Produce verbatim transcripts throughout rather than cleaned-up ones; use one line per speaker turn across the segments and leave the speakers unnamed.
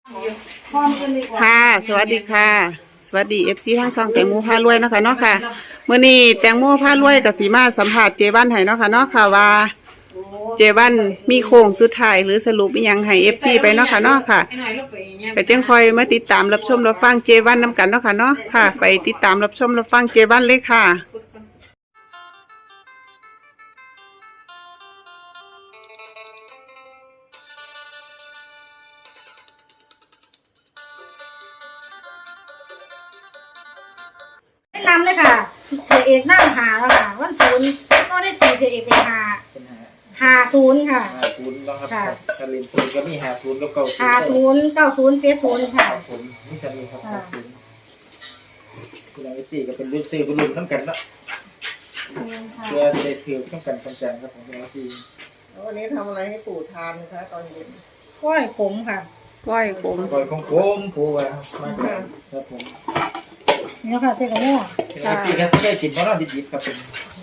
ค่ะสวัสดีค่ะสวัสดีเอฟซีทั้งช่องแตงโมพารวยเนาะค่ะเนาะค่ะเมื่อนี้แตงโมพารวยกับสีมาสัมผัสเจวันให้เนาะค่ะเนาะค่ะว่าเจวันมีโค้งสุดท้ายหรือสรุปอีหยังให้เอฟซีไปเนาะค่ะเนาะค่ะไปจังคอยมาติดตามรับชมรับฟังเจวันนำกันเนาะค่ะเนาะค่ะไปติดตามรับชมรับฟังเจวันเลยค่ะ
แนะนำเลยค่ะเสียเอกนั่งหาแล้วค่ะวันศูนย์ก็ได้ตีเสียเอกเป็นหาหาศูนย์ค่ะ
หาศูนย์แล้วครับกาลินศูนย์ก็มีหาศูนย์กับเก้าศูนย์
หาศูนย์เก้าศูนย์เจ็ดศูนย์ค่ะ
ผมนี่จะมีครับหาศูนย์คุณนายสี่ก็เป็นรุ่นซื้อเป็นรุ่นทั้งกันเนาะเพื่อจะได้ถือทั้งกันทั้งกันครับผมคุณนายสี่
วันนี้ทำอะไรให้ปู่ทานนะคะตอนเย็น
ก้อยขมค่ะ
ก้อยขม
ก้อยของผมปู่ว่ามาครับผม
นี่ค่ะเจ๊กับแม่
คุณนายสี่ก็แค่กินเพราะเราดิบๆครับเป็น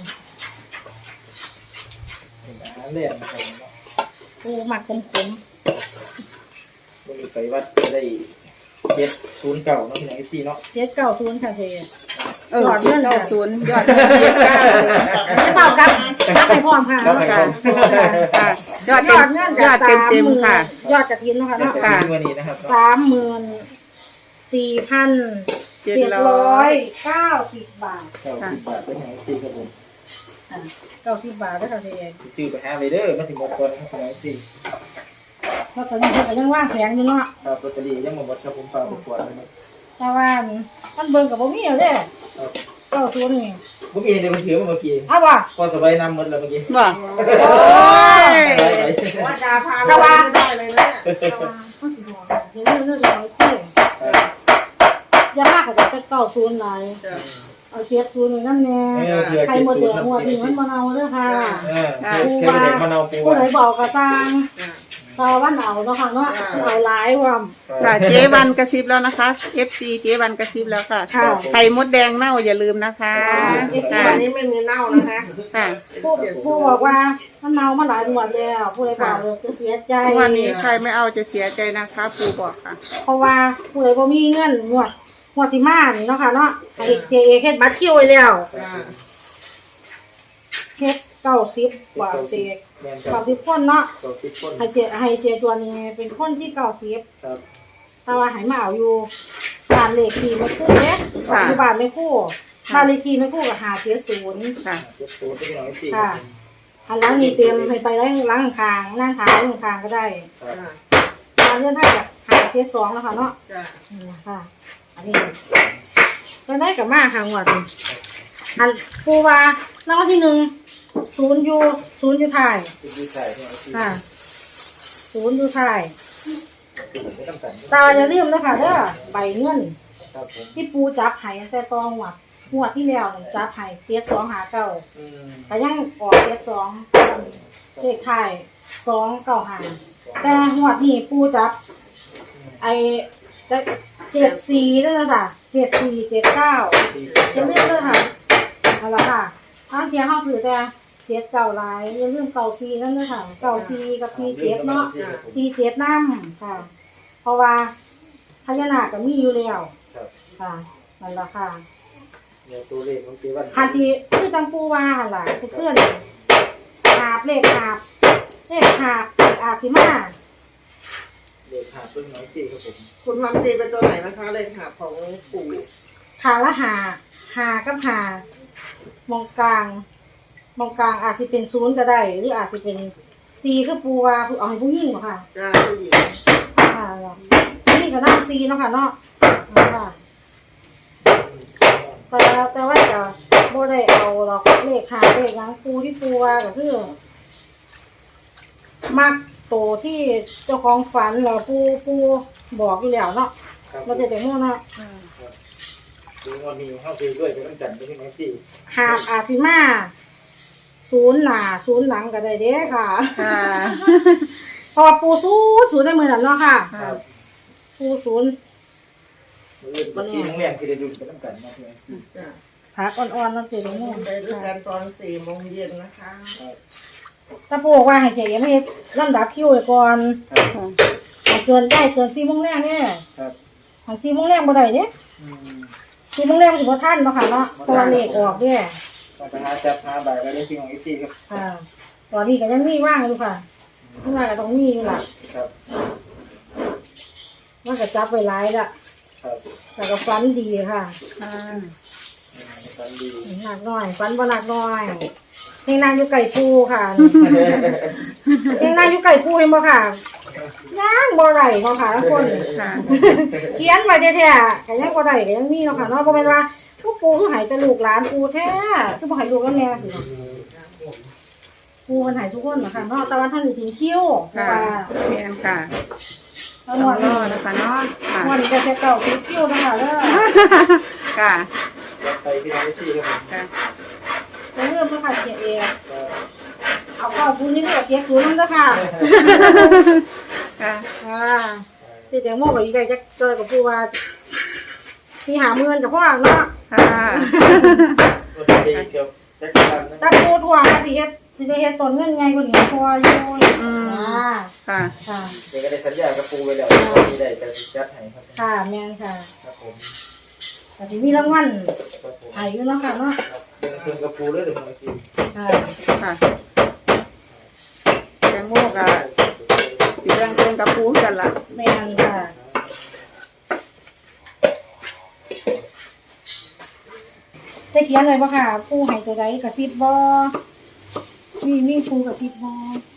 อาหารเลี้ยงนะครับ
ปูหมักขมขม
วันนี้ไปวัดจะได้เจ็ดศูนย์เก่าเนาะคุณนายสี่เนาะ
เจ็ดเก้าศูนย์ค่ะเจ๊
เออเก้าศูนย์ยอดเงินเจ็ดเก้า
ไม่เฝ้ากันรับไปพร้อมค่ะ
ค่ะยอด
ยอดเงิน
ยอดเต็มเต็มค่ะ
ยอดกระถินนะคะเนาะ
ค่ะวันนี้นะครับ
สามหมื่นสี่พันเจ็ดร้อยเก้าสิบบาท
เก้าสิบบาทเป็นไงสี่ครับผม
เก้าสิบบาทได้ค่ะเจ๊
ซื้อไปหาไปเด้อมาถึงหมดก่อนครับคุณนายสี่
เพราะตอนนี้เขาก็ยังว่างแผงอยู่เนาะ
ครับลอตเตอรี่ยังมาหมดครับผมฝากไปขวดนะครับ
แต่ว่ามันเบิ่งกับบ่มีเอาเด้เก้าศูนย์นี่
บ่มีเดี๋ยวมันถือมาเมื่อกี้
เอาว่ะ
พอสบายนำหมดแล้วเมื่อกี้
บ่โอ้
ยว่าจะพาเราไม่ได้เลยนะ
เดี๋ยวเรื่องเรื่องเราที่อย่ามากกว่าจะเก้าศูนย์หลายเอาเจ็ดศูนย์นั่นแน่ใครหมดเดือดหมดนี่มันมะนาวเด้อค่ะ
ปูว่า
ผู้ใดบอกก็สร้างตาวันเอาเนาะค่ะเนาะเอาหลายว่
ำค่ะเจวันกระซิบแล้วนะคะ เอฟ ซี เจวันกระซิบแล้วค่ะไข่มดแดงเน่าอย่าลืมนะคะ
อันนี้ไม่มีเน่านะคะ
ค่ะ
ผู้ผู้บอกว่ามันเน่ามาหลายวันแล้วผู้ใดบอกเลยจะเสียใจ
วันนี้ใครไม่เอาจะเสียใจนะคะปู่บอกค่ะ
เพราะว่าผู้ใดบ่มีเงินงวดงวดที่มานี่เนาะค่ะเนาะให้เจเอเฮ็ดบัตรคิวไว้แล้วเฮ็ดเก้าสิบกว่าเจเก้าสิบคนเนาะให้เจให้เจตัวนี้เป็นคนที่เก้าสิบแต่ว่าให้มาเอาอยู่บ้านเลขที่ไม่คู่เด้อยู่บ้านไม่คู่บ้านเลขที่ไม่คู่กับหาเจ็ดศูนย์ค่ะค่ะอันหลังนี้เตรียมให้ไปล้างล้างคางล้างขาล้างคางก็ได้การเลื่อนให้กับหาเจ็ดสองแล้วค่ะเนาะค่ะอันนี้ก็ได้กับมาค่ะงวดอันปูว่าแล้วที่หนึ่งศูนย์ยูศูนย์ยูไทยค่ะศูนย์ยูไทยตาจะเริ่มแล้วค่ะเด้อใบเงินที่ปูจับไห้แต่ตองหัวหัวที่แล้วจับไห้เจ็ดสองหาเก้าแต่ยังออกเจ็ดสองเลขไทยสองเก้าหาแต่หัวนี่ปูจับไอจะเจ็ดสี่นั่นแหละค่ะเจ็ดสี่เจ็ดเก้าจะเริ่มเลยค่ะเอาละค่ะทางเทียห้องสื่อแต่เจ็ดเก่าลายอย่าลืมเก่าซีนั่นเลยค่ะเก่าซีกับซีเจ็ดเนาะซีเจ็ดน้ำค่ะเพราะว่าพญานาคก็มีอยู่แล้วค่ะนั่นแหละค่ะฮันทีคือตังปูว่าล่ะเพื่อนหาบเลขหาบเลขหาบอาซิมา
เลขหาบเป็นน้อยสี่ครับผม
คุณทำตีเป็นตัวไหนนะคะเลขหาบของปู่
ขาละหาหากับหามองกลางมองกลางอาจจะเป็นศูนย์ก็ได้หรืออาจจะเป็นซีคือปูว่าเอาให้ผู้หญิงเหรอค่ะ
ใช่ผู้หญิง
ค่ะนี่ก็น่าซีเนาะค่ะเนาะค่ะแต่แต่ว่าจะโบได้เอาเราเลขหาเลขยังปูที่ปูว่าก็คือมักโตที่เจ้าของฝันเราปูปูบอกอยู่แล้วเนาะเราจะแต่โม่เนาะ
ดูวันนี้เข้าไปด้วยเป็นจันทร์เป็นน้อยสี่
หาอาซิมาศูนย์หน้าศูนย์หลังก็ได้เด้ค่ะพอปูศูนย์ศูนย์ได้มือหนันเนาะค่ะปูศูนย์
วันนี้น้องเรียนคือได้ดูเป็นน้ำกันนะใช่ไหม
ผักอ่อนๆน้ำเจริญมุ่ง
ไปด้วยกันตอนสี่โมงเย็นนะคะ
ตาปูบอกว่าให้เฉยไม่ลำดับคิวก่อนเกินได้เกินสี่โมงแรกเนี่ย
ครับ
หันสี่โมงแรกบ่ได้เนี่ย
อืม
สี่โมงแรกสิบ่ทันเนาะค่ะเนาะเพราะว่าเลขออกเนี่ย
ต้องไปหาจับหาบ่ายไปได้จริงของเอฟซีครับ
ค่ะตอนนี้ก็ยังมีว่างอยู่ค่ะเมื่อวานก็ต้องมีอยู่ล่ะ
ครับ
มันก็จับไว้หลายละ
ครับ
แต่ก็ฟันดีค่ะ
ค่ะ
อืมฟันดี
หนักหน่อยฟันบ่หนักหน่อยเฮงนางอยู่ไก่ปูค่ะเฮงนางอยู่ไก่ปูเห็นบ่ค่ะย่างบ่ได้เนาะค่ะทุกคน
ค่ะ
เขียนไว้แท้ๆก็ยังบ่ได้ก็ยังมีเนาะค่ะเนาะบ่แม่นว่าทุกปูคือให้แต่ลูกหลานปูแท้คือบ่ให้ลูกกับแม่สิเนาะปูมันให้ทุกคนเนาะค่ะเนาะแต่ว่าท่านสิถึงคิวเพราะ
ค่ะ
ว่า
แม่นค่ะ
ทั้ง
ต้
ห
อ
ม
ง
ด
ร
นี้
อนะคะเนาะค่ะ
วันนี้ก็แค่เก่าถึงคิวนะคะเด้อ
ค่ะ
รับไปที่น้องเอฟซีครับผม
ค่ะ
จะเริ่มแล้วค่ะเสียเอง
ก็
เอาเข้าคุณนี่ก็เสียศูนย์นั่นเด้อค่ะ
ค่ะ
ค่ะที่แตงโมกับอีไก่จะเจอกับผู้ว่าที่หาเงินกับพ่อเนาะ
ค่ะ
ตัวที่สี่เชียวแจ็คสันนะ
ตาปูทวงสิเฮ็ดสิได้เฮ็ดต้นเงินไงกว่านี้พออยู่อ่า
ค่ะ
ค่ะ
เดี๋ยวก็ได้สัญญากับปูไว้แล้วมีได้จะจัดให้ครับ
ค่ะแม่นค่ะ
ครับผม
แต่ที่มีรางวัล
ครับผม
ให้อยู่เนาะค่ะเนาะ
ครับเพิ่งกับปูเลยเดี๋ยวน้องเอฟซี
ค่ะ
ค่ะแตงโมกับสีแดงเป็นกับปูกันละ
แม่นค่ะได้เขียนเลยบ่ค่ะผู้ให้ตัวใดกระซิบบ่มีมีผู้กระซิบบ่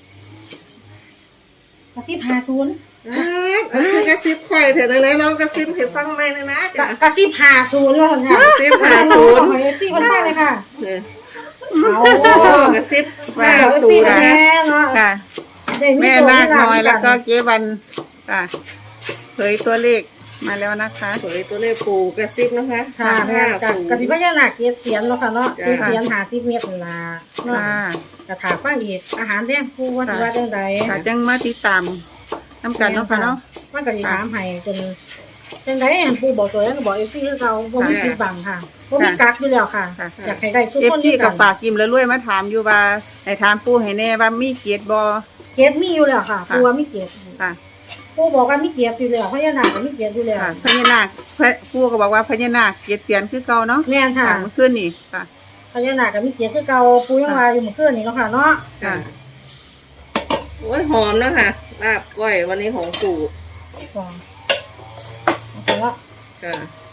กระซิบห้าศูนย์
อ่าเออกระซิบข่อยเถอะเลยลองกระซิบให้ฟังไหมนะนะ
กะกระซิบห้าศูนย์แล้วค่ะ
กระซิบห้าศูนย์
ขอเอฟซีคนใต้เลยค่ะ
เนี่ย
เอา
โอ้กระซิบ
ห้า
ห้า
ศู
ศู
น
น
ย์
ย์
แน่เนาะ
ค่ะ
ได้
แม่
โช
นาค
ลาภ
น้อยแล้วก็
กัน
เจ๊วันค่ะเผยตัวเลขมาแล้วนะคะ
เผยตัวเลขปูกระซิบนะคะ
ค่ะแม่
ห้า
กับ
ศูนย์
กระซิบพญานาคเกียรติเสียนเนาะค่ะเนาะ
จ้ะ
เกียรติเสียนหาสิบเมตรนั่นล่ะเนาะ
ค่ะ
กระถาป้าอีกอาหารแดงผู้ว่าสิว่าจังใด
ค่ะจังมาติดตามน้ำกันเนาะค่ะเนาะ
มันก็สิถามให้จนจังใดอันผู้บอกตัวนั้นก็บอกเอฟซีคือเก่าบ่มีปิดบังค่ะบ่มีกักอยู่แล้วค่ะ
ค่ะ
อยากให้ได้ทุก
เอฟ
คน
ซี
ด้วย
กั
กับ น
ปากกิมแล้วรวยมาถามอยู่ว่าให้ถามปูให้แน่ว่ามีเกียรติบ่
เกียรติมีอยู่แล้วค่ะ
ค่ะ
ผู้ว่ามีเกียรติ
ค่ะ
ผู้บอกว่ามีเกียรติอยู่แล้วพญานาคก็มีเกียรติอยู่แล้ว
ค่ะพญานาคพระปูก็บอกว่าพญานาคเกียรติเสียนคือเก่าเนาะ
แม่นค่ะ
ค่ะเมื่อคืนนี่ค่ะ
พญานาคก็มีเกียรติคือเก่าปูยังว่าอยู่เมื่อคืนนี้เนาะค่ะเนาะ
ค่ะ
โอ้ยหอมแล้วค่ะลาบก้อยวันนี้ของปู่
ก็เอาละ
ค่ะ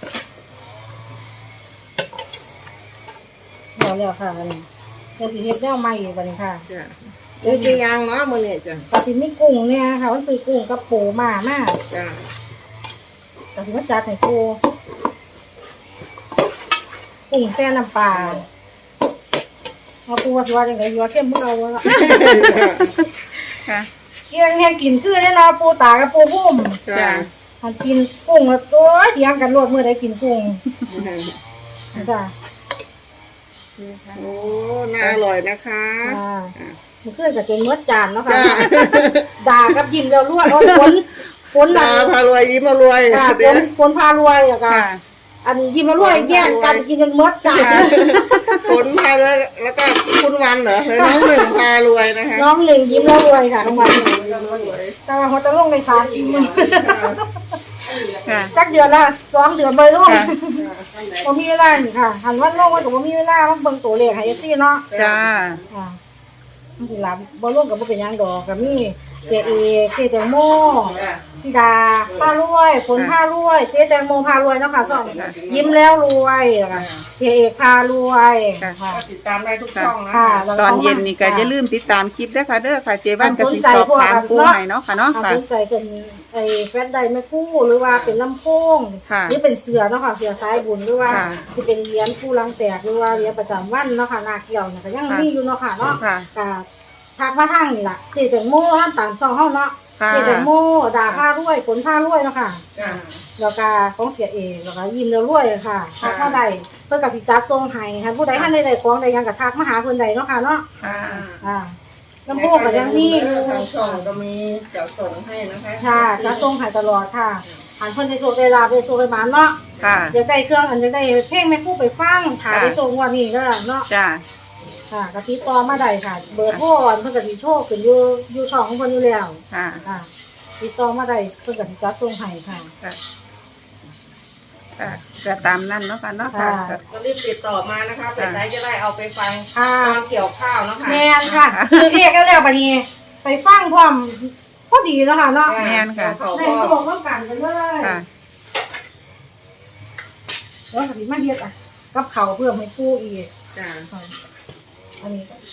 เอาแล้วค่ะอันนี้เดี๋ยวสิเฮ็ดแนวใหม่อีกบัดนี้ค่ะ
จ้ะเดี๋ยวจะยางเนาะมื้อนี้จ้ะ
ก็สิมีกุ้งเนี่ยค่ะมันซื้อกุ้งกับปูมามา
จ้ะ
ก็สิมาจัดให้ปูกุ้งแซ่น้ำปลาเอาปูว่าสิว่าจังได๋อยู่ว่าเข้มบ่เอาวะ
ค่ะ
เกี่ยงแห้งกินคือได้เนาะปูตากับปูพุ่ม
จ้ะ
หันกินกุ้งแล้วตัวเถียงกันรวดมื้อใดกินกุ้งจ้ะ
โอ้น่าอร่อยนะคะ
อ่ามันขึ้นกับจนเมื่อจานเนาะค่ะ
จ้ะ
ด่ากับยิ้มแล้วรวดโอ้ยฝนฝน
ดา
น่ะ
พารวยยิ้มมารวย
ค่ะฝ
เดี๋ยวน
ฝนพารวยอะค่ะ
ค่ะ
อันยิ้มแล้วรวยแย่งกันกินจนเมื่อจาน
ผลพารวยแล้วก็คุณวันเหรอเฮ้ยน้องหนึ่งพารวยนะคะ
น้องหนึ่งยิ้มแล้วรวยค่ะรางวัลหนึ่งแต่ว่าเขาจะลงในสามชิ้น
ค่ะ
จักเดือนละสองเดือนไปลง
ค่ะ
ผมมีเวลานี่ค่ะ หันวันลงวันกับผมมีเวลามันเบิ่งตัวเลขให้เอฟซีเนาะ
จ้า
อ่ามันสิหลับบ่ลงกับบ่เป็นหยังดอกกับมีเจเอเจแตงโมพี่ดาพารวยฝนพารวยเจแตงโมพารวยเนาะค่ะสองยิ้มแล้วรวยค่ะเจเอกพารวยค่ะ
ติดตามได้ทุกช่องนะ
ค่ะ
ตอนเย็นนี่ก็อย่าลืมติดตามคลิปด้วยค่ะเด้อค่ะเจวันกับสิสอบถามปูให้เนาะค่ะเนาะ
เอา
ค่ะ
สนใจเป็นไอ้แฟนใดแม่คู่หรือว่าเป็นลำโพง
ค่ะ
หรือเป็นเสือเนาะค่ะเสือสายบุญหรือว่า
ค่ะ
ที่เป็นเหรียญผู้ลังแตกหรือว่าเหรียญประจำวันเนาะค่ะนาเกี่ยวเนี่ยก็ยัง
ค่ะ
มีอยู่เนาะค่ะเนาะ
ค่ะ
ก็ทักมาทางนี่ล่ะเจแตงโมท่านตามช่องเฮาเนาะ
ค่ะ
เจแตงโมดาผ้ารวยผลผ้ารวยเนาะค่ะ
จ้ะ
แล้วก็ของเสียเองแล้วก็ยิ้มแล้วรวยค่ะ
ค่ะ
ถ้าใดเพิ่นก็สิจัดส่งให้ค่ะผู้ใดท่านใดได้ของใดยังก็ทักมาหาเพิ่นใดเนาะค่ะเนาะ
ค่ะ
อ่าลำโพงก็ยังมีอยู่
ทางช่องก็มีจะส่งให้นะคะ
ค่ะจัดส่งให้ตลอดค่ะหันเพิ่นได้โชคได้ลาภได้โชคได้หมานเนาะ
ค่ะ
อยากได้เครื่องอันอยากได้เพลงแม่คู่ไปฟังถ่ายได้ส่งวันนี้ก็เนาะ
จ้า
ค่ะกะติดต่อมาได้ค่ะ เบอร์โทรอันเพิ่นก็สิโชคขึ้นอยู่อยู่ช่องของเพิ่นอยู่แล้ว
ค่ะ
ค่ะติดต่อมาได้เพิ่นก็สิจัดส่งให้ค่ะ
ค่ะค่ะก็ตามนั้นเนาะค่ะเนาะค่ะ
ค่ะ
ก็รีบติดต่อมานะคะเผื่อใจจะได้เอาไปฟัง
ค่ะ
ตอนเกี่ยวข้าวเนาะค่ะ
แม่นค่ะ คือเรียกแล้วบัดนี้ไปฟังพร้อมพอดีแล้วค่ะเนาะ
แม่นค่ะ
เขา
ใน
ก็
ส่วนต้องการกันเลย
ค่ะ
แล้วก็สิมาเฮ็ดอ่ะกับเขาวเพิ่มให้ปู่อีก
จ้า
อันนี้ก็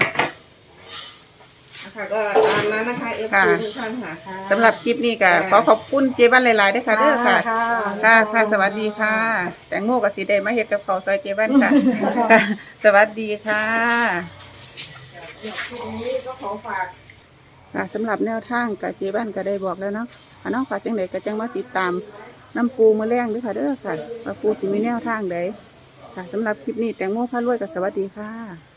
นะคะก็ตามนั้นนะคะเอฟ
ค่ะ
ซีทุกท่านค่ะ
สำหรับคลิปนี้ก็ขอขอบคุณเจวันหลายๆด้วยค่ะเด้อค่ะ
ค่ะ
ค่ะค่ะสวัสดีค่ะ แตงโมกับสีแดงมาเฮ็ดกับข้าวซอยเจวันค่ะค่ะ สวัสดีค่ะ
วันนี้ก็ขอฝาก
ค่ะสำหรับแนวทางกับเจวันก็ได้บอกแล้วเนาะค่ะน้องฝากจังไดก็จังมาติดตามน้ำปูมือแรงด้วยค่ะเด้อค่ะว่าปูสิมีแนวทางใดค่ะสำหรับคลิปนี้แตงโมพารวยกับสวัสดีค่ะ